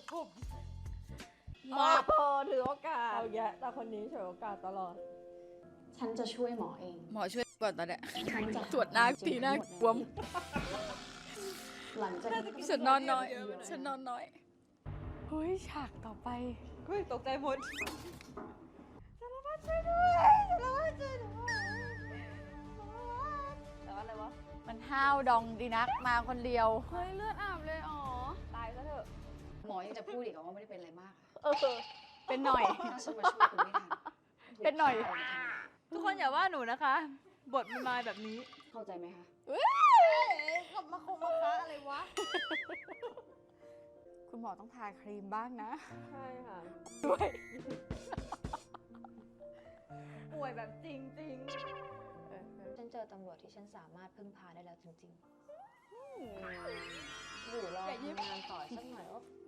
ผมมาพอถือโอกาสเอาแยะแต่คนนี้ฉวยโอกาสตลอดฉันจะช่วยหมอเองหมอช่วยก่อนตอนเนี้ยฉันจะตรวจหน้าทีหน้าบวมหลังจากนี้ฉันนอนน้อยฉันนอนน้อยเฮ้ยฉากต่อไปเฮ้ยตกใจหมด แต่ว่าอะไรวะมันห้าวดองดีนักมาคนเดียวเฮ้ยเลือดอาบเลยอ๋อ ตายซะเถอะหมอยังจะพูดอีกเหรอว่าไม่ได้เป็นอะไรมากเป็นหน่อยถ้าฉันมาช่วยคุณไม่ทันเป็นหน่อยทุกคนอย่าว่าหนูนะคะ บทมันมาแบบนี้เข้าใจไหมคะขับมาคงมาค้าอะไรวะคุณหมอต้องทาครีมบ้างนะใช่ค่ะด้วยป่วยแบบจริงฉันเจอตำรวจที่ฉันสามารถพึ่งพาได้แล้วจริงๆอยู่รอทำงานต่อสักหน่อยก็